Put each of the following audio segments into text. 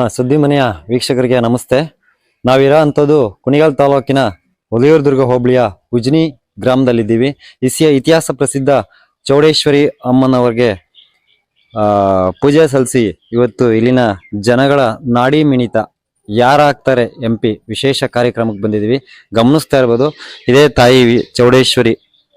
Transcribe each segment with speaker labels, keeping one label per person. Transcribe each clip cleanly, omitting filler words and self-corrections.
Speaker 1: ಸುದ್ದಿ ಮನೆಯ ವೀಕ್ಷಕರಿಗೆ ನಮಸ್ತೆ. ನಾವಿರೋ ಅಂಥದ್ದು ಕುಣಿಗಲ್ ತಾಲೂಕಿನ ಒಲಿಯೂರ್ದುರ್ಗ ಹೋಬಳಿಯ ಉಜ್ನಿ ಗ್ರಾಮದಲ್ಲಿದ್ದೀವಿ. ಇತಿಹಾಸ ಪ್ರಸಿದ್ಧ ಚೌಡೇಶ್ವರಿ ಅಮ್ಮನವರಿಗೆ ಪೂಜೆ ಸಲ್ಲಿಸಿ ಇವತ್ತು ಇಲ್ಲಿನ ಜನಗಳ ನಾಡಿ ಮಿಣಿತ ಯಾರಾಗ್ತಾರೆ MP ವಿಶೇಷ ಕಾರ್ಯಕ್ರಮಕ್ಕೆ ಬಂದಿದ್ದೀವಿ. ಗಮನಿಸ್ತಾ ಇರ್ಬೋದು, ಇದೇ ತಾಯಿ ಚೌಡೇಶ್ವರಿ.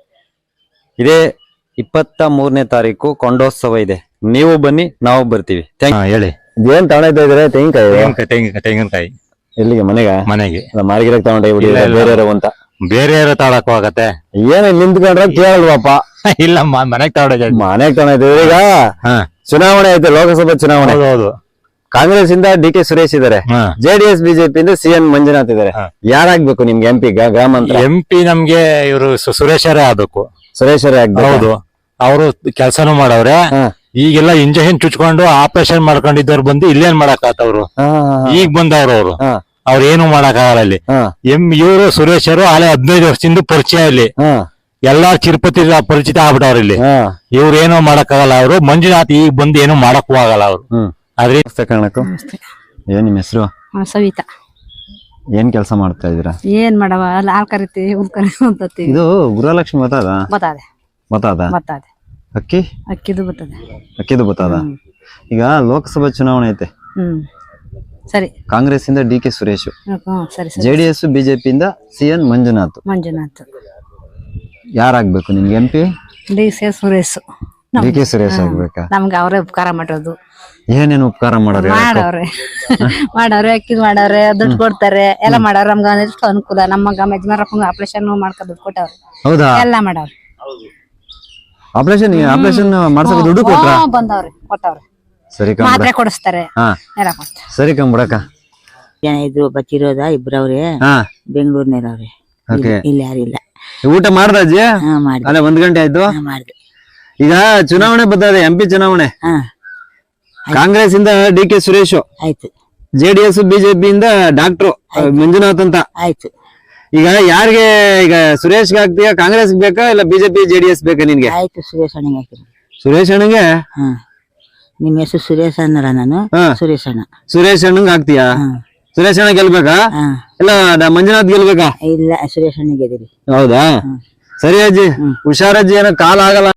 Speaker 1: ಇದೇ 23ನೇ ತಾರೀಕು ಕೊಂಡೋತ್ಸವ ಇದೆ. ನೀವು ಬನ್ನಿ, ನಾವು ಬರ್ತೀವಿ.
Speaker 2: ಹೇಳಿ,
Speaker 1: ಏನ್ ತಗೊಂಡ ಇದ್ರೆ
Speaker 2: ತೆಂಗಿನಕಾಯಿ
Speaker 1: ಎಲ್ಲಿಗೆ?
Speaker 2: ಮನೆಗೆ
Speaker 1: ಮಾರ್ಗಿರಕ್ ತಗೊಂಡ ಬೇರೆ ಅಂತ
Speaker 2: ಬೇರೆ ತಾಳಕ್ ಹೋಗತ್ತೆ.
Speaker 1: ಏನ್ ನಿಂತ್ಕೊಂಡ್ರೆ ಕೇಳಲ್ವಪ್ಪ?
Speaker 2: ಇಲ್ಲ, ಮನೆಗ್ ತಗೊಂಡ
Speaker 1: ಮನೆಗ್ ತಗೊಂಡಿದ್ದೀವಿ. ಈಗ ಚುನಾವಣೆ ಐತೆ, ಲೋಕಸಭಾ ಚುನಾವಣೆ.
Speaker 2: ಹೌದು.
Speaker 1: ಕಾಂಗ್ರೆಸ್ ಇಂದ DK ಸುರೇಶ್ ಇದಾರೆ, JDS BJP ಇಂದ CN ಮಂಜುನಾಥ್ ಇದಾರೆ. ಯಾರಾಗ್ಬೇಕು ನಿಮ್ಗೆ MP ಗ್ರಾಮಾಂತರ?
Speaker 2: MP ನಮ್ಗೆ ಇವರು ಸುರೇಶರೇ ಆಗ್ಬೇಕು.
Speaker 1: ಸುರೇಶರೇ ಆಗ್ಬೇಕು.
Speaker 2: ಹೌದು, ಅವರು ಕೆಲ್ಸನೂ ಮಾಡವ್ರೆ. ಈಗೆಲ್ಲ ಇಂಜೆಕ್ಷನ್ ಚುಚ್ಕೊಂಡು ಆಪರೇಷನ್ ಮಾಡ್ಕೊಂಡಿದ್ದವ್ರು ಬಂದು ಇಲ್ಲೇನ್ ಮಾಡಾಕತ್ತವ್ರು. ಈಗ ಬಂದವ್ರು ಅವ್ರು ಏನು ಮಾಡಕ್ ಆಗಲ್ಲ ಇಲ್ಲಿ. ಇವರು ಸುರೇಶರು ಆಲೆ 15 ವರ್ಷದಿಂದ ಪರಿಚಯ ಇಲ್ಲಿ. ಎಲ್ಲಾ ಚಿರುಪತಿ ಪರಿಚಿತ ಆಗ್ಬಿಟ್ಟವ್ರ ಇಲ್ಲಿ. ಇವ್ರು ಏನೋ ಮಾಡಕ್ ಆಗಲ್ಲ. ಅವರು ಮಂಜುನಾಥ್ ಈಗ ಬಂದು ಏನು ಮಾಡಕ್ಕೂ ಆಗಲ್ಲ ಅವ್ರು. ಆದ್ರೆ
Speaker 1: ಕಾರಣಕ್ಕೂ ಏನ್ ನಿಮ್ಮ ಹೆಸರು?
Speaker 3: ಸವಿತಾ.
Speaker 1: ಏನ್ ಕೆಲಸ ಮಾಡ್ತಾ ಇದೀರಾ?
Speaker 3: ಏನ್ ಮಾಡವ, ಹಾಲ್ ಕರಿತೀವಿ,
Speaker 1: ಇದು ಗೃಹಲಕ್ಷ್ಮಿ ಬತ್ತಾದ
Speaker 3: ಅಕ್ಕಿದು ಬರ್ತದೆ.
Speaker 1: ಅಕ್ಕಿದು ಬತ್ತಾದ. ಈಗ ಲೋಕಸಭಾ ಚುನಾವಣೆ ಐತೆ.
Speaker 3: ಸರಿ.
Speaker 1: ಕಾಂಗ್ರೆಸ್ ಇಂದ DK ಸುರೇಶ್,
Speaker 3: ಸರಿ.
Speaker 1: JDS BJP ಇಂದ CN ಮಂಜುನಾಥ್. ಯಾರಾಗ್ಬೇಕು ನಿಮ್ಗೆ MP?
Speaker 3: DK Suresh.
Speaker 1: DK Suresh ಆಗ್ಬೇಕಾ?
Speaker 3: ನಮ್ಗೆ ಅವರೇ ಉಪಕಾರ ಮಾಡೋದು.
Speaker 1: ಏನೇನು ಉಪಕಾರ ಮಾಡೋರು?
Speaker 3: ಮಾಡವ್ರೆ ಅಕ್ಕಿದ್ ಮಾಡವ್ರೆ, ದುಡ್ಡು ಕೊಡ್ತಾರೆ, ಎಲ್ಲ ಮಾಡವ್ರೆ. ನಮ್ಗ ಎಷ್ಟು ಅನುಕೂಲ. ನಮ್ಮ ಯಜಮಾನರಪ್ಪಂಗ ಆಪರೇಷನ್ ಮಾಡ್ಕೊ ದುಡ್ಡು ಕೊಟ್ಟವ್ರೆ.
Speaker 1: ಹೌದಾ?
Speaker 3: ಎಲ್ಲ ಮಾಡವ್ರೆ.
Speaker 1: ಆಪರೇಷನ್ ಮಾಡ್ಸಕ್ ದುಡ್ಡು ಕೊಟ್ರ?
Speaker 3: ಬಂದವ್ರೆ, ಕೊಟ್ಟವ್ರೆ.
Speaker 1: ಸರಿ,
Speaker 3: ಮಾತ್ರೆ ಕೊಡಿಸ್ತಾರೆ, ಎಲ್ಲ ಕೊಡ್ತಾರೆ.
Speaker 1: ಸರಿ ಕಂಬಿಡಕ.
Speaker 4: ಜನ ಇದ್ರು, ಬಚ್ಚಿರೋದ ಇಬ್ರವ್ರೆ, ಬೆಂಗಳೂರಿನವ್ರೆ. ಇಲ್ಲಿ ಯಾರಿಲ್ಲ.
Speaker 1: ಊಟ ಮಾಡ್ದ ಅಜ್ಜಿ? ಅಲ್ಲ, 1 ಗಂಟೆ ಆಯ್ತು.
Speaker 4: ಮಾಡ್ದೆ.
Speaker 1: ಈಗ ಚುನಾವಣೆ ಬರ್ತದೆ, MP ಚುನಾವಣೆ. ಕಾಂಗ್ರೆಸ್ ಇಂದ DK ಸುರೇಶ್
Speaker 4: ಆಯ್ತು,
Speaker 1: JDS BJP ಇಂದ ಡಾಕ್ಟ್ರು ಮಂಜುನಾಥ್ ಅಂತ
Speaker 4: ಆಯ್ತು.
Speaker 1: ಈಗ ಯಾರಿಗೆ? ಈಗ ಸುರೇಶ್ ಆಗ್ತೀಯ? ಕಾಂಗ್ರೆಸ್ ಬೇಕಾ ಇಲ್ಲ BJP JDS ಬೇಕಾ ನಿನ್ಗೆ?
Speaker 4: ಆಯ್ತು, ಸುರೇಶ್ ಅಣ್ಣಗೆ ಹಾಕಿದ್ರು.
Speaker 1: ಸುರೇಶ್ ಅಣ್ಣಗೆ?
Speaker 4: ನಿಮ್ ಹೆಸರು ಸುರೇಶ್ ಅನ್ನರ? ನಾನು ಸುರೇಶ್ ಅಣ್ಣ.
Speaker 1: ಸುರೇಶ್ ಅಣ್ಣಂಗ್ ಆಗ್ತೀಯಾ? ಸುರೇಶ್ ಅಣ್ಣ ಗೆಲ್ಬೇಕಾ ಇಲ್ಲ ಮಂಜುನಾಥ್ ಗೆಲ್ಬೇಕಾ?
Speaker 4: ಇಲ್ಲ, ಸುರೇಶ್ ಅಣ್ಣ ಗೆದ್ದಿರಿ.
Speaker 1: ಹೌದಾ? ಸರಿ ಅಜ್ಜಿ, ಹುಷಾರಜ್ಜಿ. ಏನೋ ಕಾಲ ಆಗಲ್ಲ.